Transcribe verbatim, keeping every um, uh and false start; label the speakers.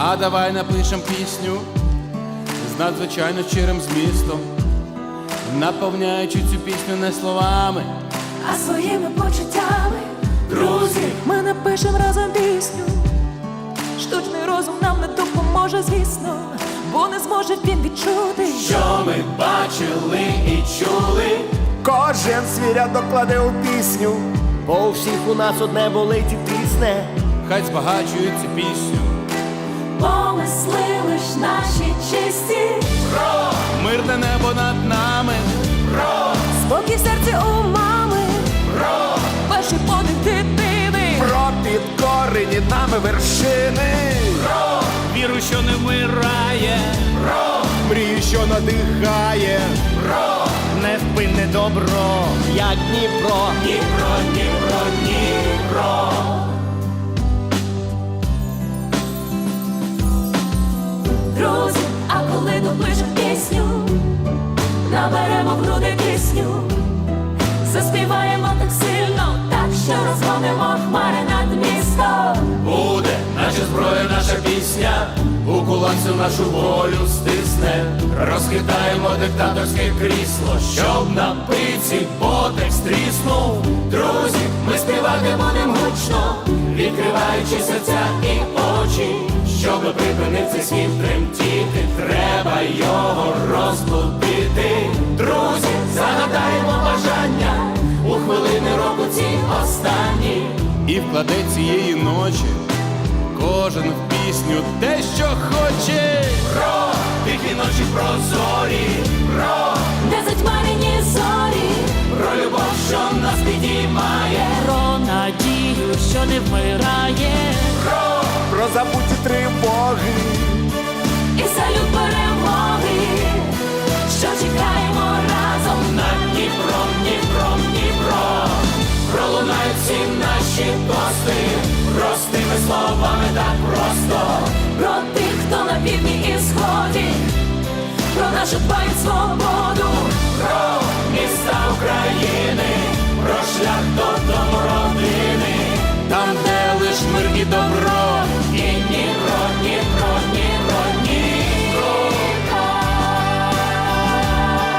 Speaker 1: А давай напишем пісню з надзвичайно щирим змістом, наповняючи цю пісню не словами,
Speaker 2: а своїми почуттями.
Speaker 1: Друзі,
Speaker 2: ми напишем разом пісню. Штучний розум нам не допоможе, звісно, бо не зможе він відчути,
Speaker 1: що ми бачили і чули.
Speaker 3: Кожен свій рядок кладе у пісню, бо у всіх у нас одне болить і тисне.
Speaker 1: Хай збагачують цю пісню
Speaker 2: помисли лиш наші чисті.
Speaker 1: про мирне небо над нами,
Speaker 2: Про спокій в серці у мами,
Speaker 1: про
Speaker 2: перший подих дитини,
Speaker 3: Про підкорені нами вершини,
Speaker 1: про віру, що не вмирає, про
Speaker 3: мрію, що надихає,
Speaker 1: про
Speaker 3: невпинне добро, як Дніпро.
Speaker 1: Дніпро, Дніпро, Дніпро.
Speaker 2: друзі, а коли допишем пісню, наберемо в груди кисню, заспіваємо так сильно, так що розгонимо хмари над містом.
Speaker 1: Буде наша зброя, наша пісня, у кулак всю нашу волю стисне. Розхитаємо диктаторське крісло, щоб на пиці ботек стріснув. Друзі, ми співати будем гучно, відкриваючи серця і очі. Щоб припинив цей світ тремтіти, треба його розбудити. Друзі, загадаємо бажання у хвилини року ці останні. І вкладе цієї ночі кожен в пісню те, що хоче. Про тихі ночі прозорі, про
Speaker 2: Де затьмарені зорі,
Speaker 1: про любов, що нас підіймає,
Speaker 2: про надію, що не вмирає,
Speaker 1: про
Speaker 3: Про забуті тривоги,
Speaker 2: і салют перемоги, що чекаємо разом
Speaker 1: над Дніпром, Дніпром, Дніпро. Пролунають всі наші тости простими словами так просто.
Speaker 2: про тих, хто на півдні і сході, про нашу дбають свободу,
Speaker 1: Про міста України,